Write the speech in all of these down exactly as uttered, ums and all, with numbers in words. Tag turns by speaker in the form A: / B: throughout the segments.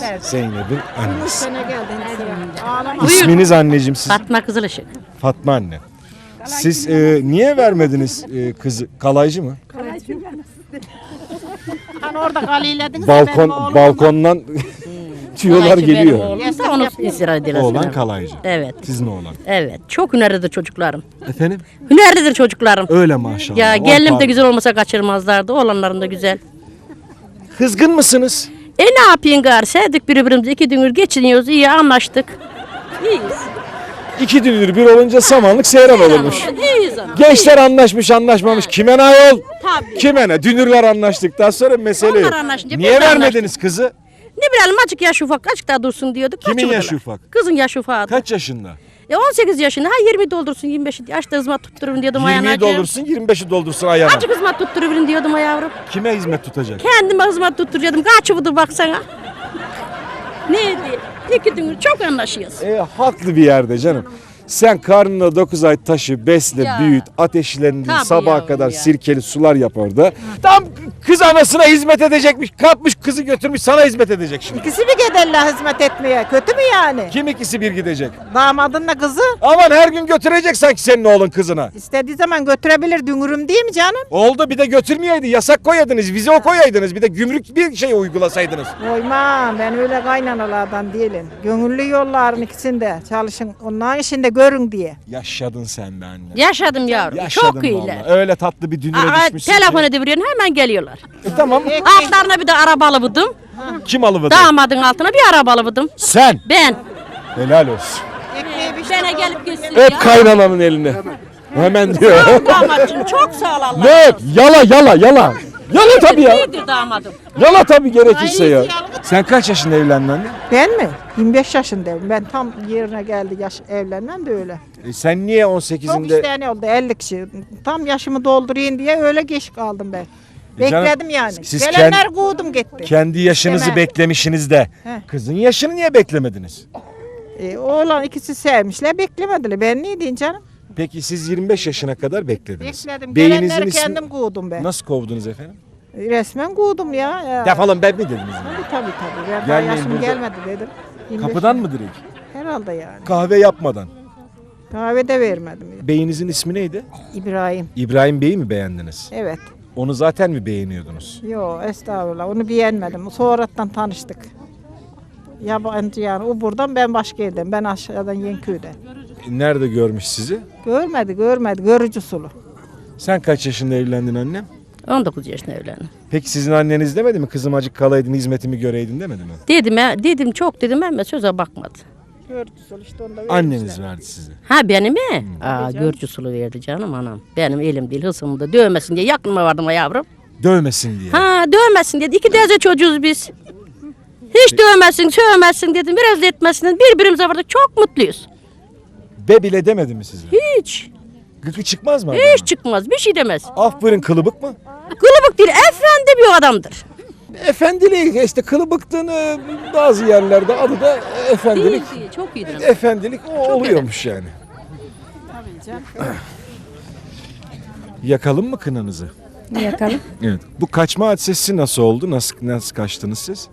A: Evet.
B: Zeynep'in annesi.
A: Sene geldin sıra. Ağlama.
B: İsminiz anneciğim siz?
C: Fatma Kızılışık.
B: Fatma anne. Siz e, niye vermediniz e, kızı? Kalaycı mı?
A: Hani orada kalilediniz.
B: Balkon balkondan tüyolar
C: Kalaycı benim
B: geliyor.
C: oğlumsa onu istirham edilir.
B: Oğlan kalaycı.
C: Evet.
B: Sizin oğlan.
C: Evet. Çok hünerlidir çocuklarım.
B: Efendim?
C: Hünerlidir çocuklarım.
B: Öyle maşallah.
C: Ya
B: O
C: gelinim de
B: pardon.
C: güzel olmasa kaçırmazlardı. Oğlanlarım da güzel.
B: Kızgın mısınız?
C: E ne yapayım gari? Sevdik birbirimizi. İki gündür geçiniyoruz. İyi anlaştık. İyiyiz.
B: İki dünür bir olunca samanlık seyran olurmuş.
C: İyiyiz ama.
B: Gençler anlaşmış anlaşmamış. Kime ne ayol?
C: Tabii.
B: Kime ne? Dünürler anlaştıktan sonra mesele yok.
C: Onlar anlaşınca
B: Niye
C: biz de
B: vermediniz kızı?
C: Ne bilelim azıcık yaş ufak. Azıcık daha dursun diyorduk.
B: Kimin
C: kaçırdılar.
B: yaşı ufak?
C: Kızın yaşı ufak.
B: Kaç yaşında?
C: E on sekiz yaşında. Ha yirmi doldursun yirmi beş. Yaşta hizmet tutturun diyordum ayağına.
B: yirmiyi doldursun yirmi beşi doldursun ayağına.
C: Azıcık hizmet tutturun diyordum ha yavrum.
B: Kime hizmet tutacak?
C: Kendime hizmet tutturacaktım. Kaç yıldır baksana. Neydi? İki gündür çok anlaşıyoruz.
B: E, haklı bir yerde canım. Sen karnına dokuz ay taşı, besle,
C: Ya.
B: büyüt, ateşlendir,
C: Tabii
B: sabaha
C: yavrum
B: kadar
C: ya.
B: sirkeli sular yap orada. Tam kız anasına hizmet edecekmiş, kapmış kızı götürmüş sana hizmet edecek şimdi.
A: İkisi mi giderler hizmet etmeye? Kötü mü yani?
B: Kim ikisi bir gidecek?
A: Damadınla kızı
B: Aman her gün götürecek sanki senin oğlun kızına.
A: istediği zaman götürebilir dünürüm değil mi canım?
B: Oldu bir de götürmeyeydi, yasak koyaydınız, vize o koyaydınız, bir de gümrük bir şey uygulasaydınız.
A: Koymam ben öyle kaynanalardan değilim. Gönüllü yolların ikisinde çalışın onların işinde görün diye.
B: Yaşadın sen be anne.
C: Yaşadım yavrum.
B: Yaşadın
C: çok iyiler.
B: vallahi. Öyle tatlı bir dünüre
C: Aa,
B: düşmüşsün
C: telefon
B: ki.
C: ediveriyorsun hemen geliyorlar.
B: E, tamam.
C: Altlarına bir de araba alıvırdım.
B: Kim alıvırdı?
C: Damadın altına bir araba alıvırdım.
B: Sen.
C: Ben.
B: Helal olsun.
A: Ekmeği bir
C: Bana gelip gitsin
B: Öp
C: ya.
B: kaynananın elini. Hemen diyor.
C: Damatçım çok sağ ol Allah.
B: Ne öp? Yala yala yala. Yala tabii ya.
C: İyidir damadım.
B: Yala tabii gerekirse ya. Sen kaç yaşında evlendin anne?
A: Ben mi? yirmi beş yaşındayım. Ben tam yerine geldi yaş evlenmem de öyle.
B: E sen niye on
A: Çok
B: sekizinde?
A: isteyen oldu elli kişi. Tam yaşımı doldurayım diye öyle geç kaldım ben.
B: E canım,
A: Bekledim yani.
B: siz
A: Gelenler kovdum gitti.
B: Kendi yaşınızı
A: İstemem.
B: beklemişsiniz de.
A: Heh.
B: Kızın yaşını niye beklemediniz?
A: E, oğlan ikisi sevmişler beklemediler. Ben ne diyeyim canım?
B: Peki siz yirmi beş yaşına kadar beklediniz.
A: Bekledim.
B: Beyinizin
A: Gelenleri
B: ismi-
A: kendim kovdum ben.
B: Nasıl kovdunuz efendim?
A: Resmen kovdum ya. ya.
B: Defolun ben mi dediniz?
A: Tabii tabii tabii. Ben daha
B: Gelmeyin
A: yaşım
B: burada.
A: gelmedi dedim. yirmi beş
B: Kapıdan mı direkt?
A: Herhalde yani.
B: Kahve yapmadan.
A: Kahve de vermedim.
B: Beyinizin ismi neydi?
A: İbrahim.
B: İbrahim Bey'i mi beğendiniz?
A: Evet.
B: Onu zaten mi beğeniyordunuz?
A: Yo estağfurullah. Onu beğenmedim. Sonradan tanıştık. Yabancı yani. O buradan ben başka yerden. Ben aşağıdan Yenköy'den.
B: E, Nerede görmüş sizi?
A: Görmedi görmedi. Görücü sulu.
B: Sen kaç yaşında evlendin annem?
C: on dokuz yaşında evlendim.
B: Peki sizin anneniz demedi mi? Kızım acık kalaydın hizmetimi göreydin demedi mi?
C: Dedim, ya- dedim çok dedim ama söze bakmadı.
A: Görücü sulu işte onu da
B: Anneniz
A: vermişler.
B: verdi size.
C: Ha benim mi? Aa görcü sulu verdi canım anam. Benim elim değil hısımı da dövmesin diye yakınıma vardım ha yavrum.
B: Dövmesin diye.
C: Ha dövmesin dedi. İki teyze çocuğuz biz. Hiç dövmesin, sövmesin dedim. Biraz da etmesin. Birbirimize vardık. Çok mutluyuz.
B: Be bile demedi mi size?
C: Hiç.
B: Gıkı çıkmaz mı?
C: Hiç çıkmaz. Bir şey demez.
B: Aferin kılıbık mı?
C: Kılıbık değil. Efendi bir adamdır.
B: Efendilik işte kılıbıktın e, bazı yerlerde adı da efendilik.
C: Değil, değil. Çok iyidir.
B: Efendilik o oluyormuş yani. Yakalım mı kınanızı?
D: Yakalım.
B: Evet. Bu kaçma hadisesi nasıl oldu? Nasıl nasıl kaçtınız siz?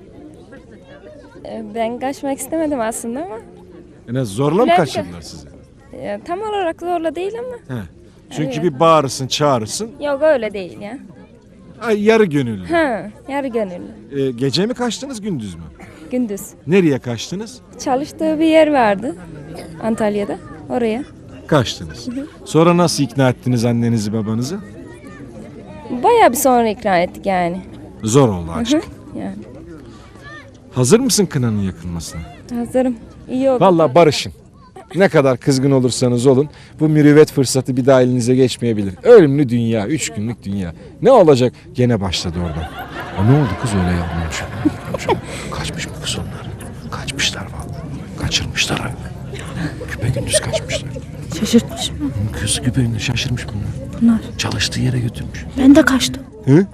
D: Ee, Ben kaçmak istemedim aslında ama
B: Yani zorla mı
D: Bülent-
B: kaçırdılar sizi?
D: e, tam olarak zorla değil ama
B: He. Çünkü bir bağırırsın, çağırırsın.
D: yok öyle değil ya.
B: Ay, yarı gönüllü.
D: Ha, yarı gönüllü.
B: Ee, gece mi kaçtınız, gündüz mü?
D: Gündüz.
B: Nereye kaçtınız?
D: Çalıştığı bir yer vardı Antalya'da. Oraya.
B: Kaçtınız. Sonra nasıl ikna ettiniz annenizi, babanızı?
D: Bayağı bir sonra ikna ettik yani.
B: Zor oldu aşk.
D: Yani
B: Hazır mısın kınanın yakılmasına?
D: hazırım. İyi oldu.
B: Vallahi barışın. Ne kadar kızgın olursanız olun bu mürüvvet fırsatı bir daha elinize geçmeyebilir. Ölümlü dünya, üç günlük dünya. Ne olacak? Gene başladı oradan. Aa, ne oldu kız öyle yapmamış? Kaçmış mı kız onlar? Kaçmışlar vallahi. Kaçırmışlar ha. Küpe gündüz kaçmışlar.
E: Şaşırtmış mı?
B: Kız küpe gündüz şaşırmış bunlar.
E: Bunlar.
B: Çalıştığı yere götürmüş.
E: Ben de kaçtım.
B: Hı?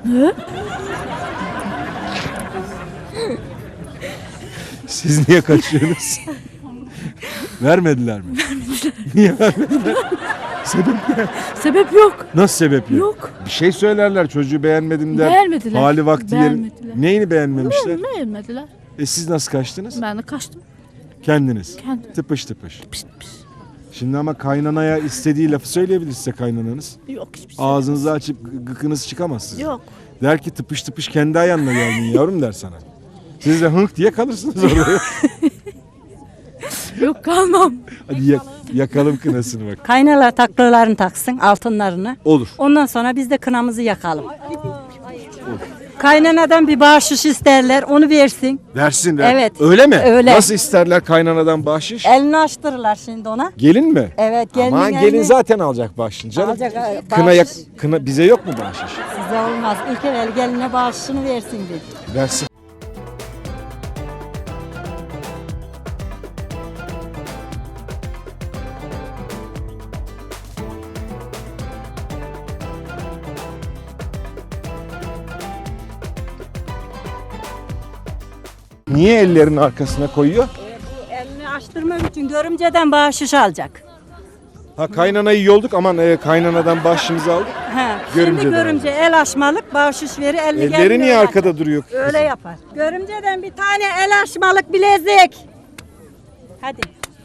B: Siz niye kaçıyorsunuz? Vermediler mi? Vermediler. Niye vermediler? Sebep ne?
E: Sebep yok.
B: Nasıl sebep yok?
E: Yok.
B: Bir şey söylerler çocuğu beğenmedim der.
E: Beğenmediler.
B: Hali vakti yerin.
E: Beğenmediler.
B: Neyini beğenmemişler?
E: Beğenmediler.
B: E siz nasıl kaçtınız?
E: Ben de kaçtım.
B: Kendiniz.
E: Kendim.
B: Tıpış tıpış.
E: Pişt pişt.
B: Şimdi ama kaynanaya istediği lafı söyleyebilir size kaynananız.
E: Yok hiçbir şey.
B: Ağzınızı açıp gı- gıkınız çıkamaz sizin.
E: Yok.
B: Der ki tıpış tıpış kendi ayağınla geldin yavrum der sana. Siz de hınk diye kalırsınız orada.
E: Yok kalmam.
B: Hadi yak- yakalım kınasını bak.
F: Kaynalar taklalarını taksın, altınlarını.
B: Olur.
F: Ondan sonra biz de kınamızı yakalım. Kaynanadan bir bahşiş isterler, onu versin.
B: Versin ver.
F: Evet.
B: Öyle mi?
F: Öyle.
B: Nasıl isterler kaynanadan bahşiş?
F: Elini açtırırlar şimdi ona.
B: Gelin mi?
F: Evet, gelinin
B: Aman
F: elini-
B: gelin zaten alacak bahşişini canım.
F: Alacak, e,
B: Kına, yak-
F: bahşiş.
B: kına bize yok mu bahşiş?
F: Size olmaz. İlk evvel geline bahşişini versin bir.
B: Versin. Niye ellerin arkasına koyuyor?
F: Elini açtırmak için görümceden bahşiş alacak.
B: Ha kaynanayı yolduk aman e, kaynanadan bahşişimizi aldık.
F: He.
B: Görümceden
F: Şimdi görümce el açmalık bahşiş verir, elini
B: Elleri
F: geline
B: niye
F: öyle
B: arkada
F: açar.
B: duruyor?
F: Öyle yapar. Görümceden bir tane el açmalık bilezik. Hadi.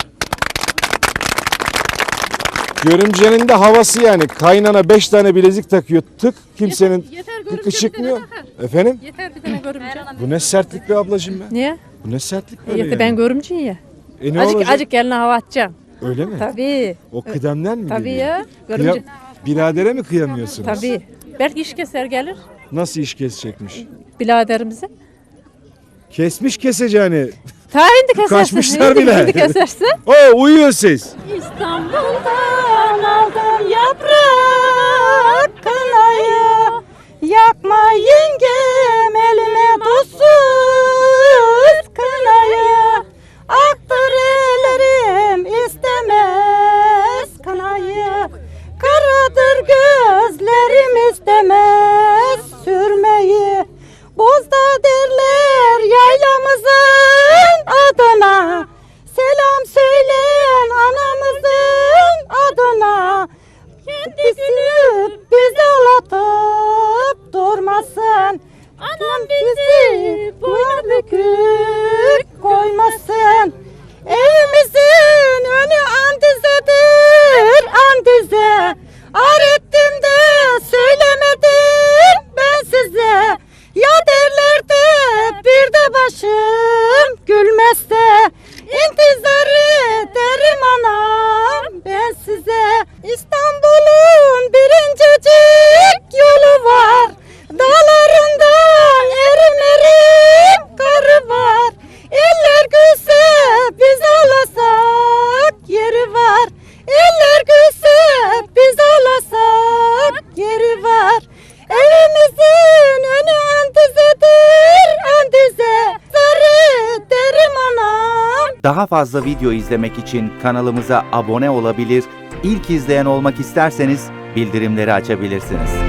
B: Görümcenin de havası yani. Kaynana beş tane bilezik takıyor. Tık kimsenin
E: yeter,
B: tıkı
E: görümce
B: çıkmıyor.
E: bir tane takar.
B: Efendim?
E: Yeter bir tane görümce.
B: Bu ne sertlik be ablacığım be.
E: Niye?
B: Bu ne sertlik böyle
E: Yeter
B: yani.
E: ben görümceyim ya.
B: E ne
E: Acık
B: olacak?
E: acık eline hava atacağım.
B: Öyle mi?
E: Tabii.
B: O kıdemden mi
E: Tabii
B: geliyor?
E: ya.
B: Kıya-
E: Görümce.
B: Biradere mi kıyamıyorsunuz?
E: Tabii. Belki iş keser gelir
B: Nasıl iş kesecekmiş?
E: biraderimize.
B: Kesmiş keseceğini.
E: Ta hindi kesersin.
B: Kaçmışlar
E: hindi,
B: bile.
E: Hindi kesersin.
B: Oo uyuyor ses.
F: İstanbul'dan aldım yaprak kınayı. Yakma yengem elime tuzsuz kınayı. Aktır ellerim istemez kınayı. Karadır gözlerim istemez sürmeyi. Bozda derler yaylamızın adına. Selam söyleyen anamızın adına. Kendisini bize ağlatıp durmasın. Anam bizi boynu bükük koymasın. Evimizin önü andizedir andize. Ar ettim de söylemedim ben size. Ya derler de bir de başım gülmezse. İntizarı derim anam ben size. İstanbul'un birincecik yolu var. Dağlarında erim erim karı var. Eller gülse biz ağlasak yeri var. Eller gülse biz ağlasak yeri var. Evimizin önü andizedir andize. Sarı derim anam.
G: Daha fazla video izlemek için kanalımıza abone olabilir, ilk izleyen olmak isterseniz bildirimleri açabilirsiniz.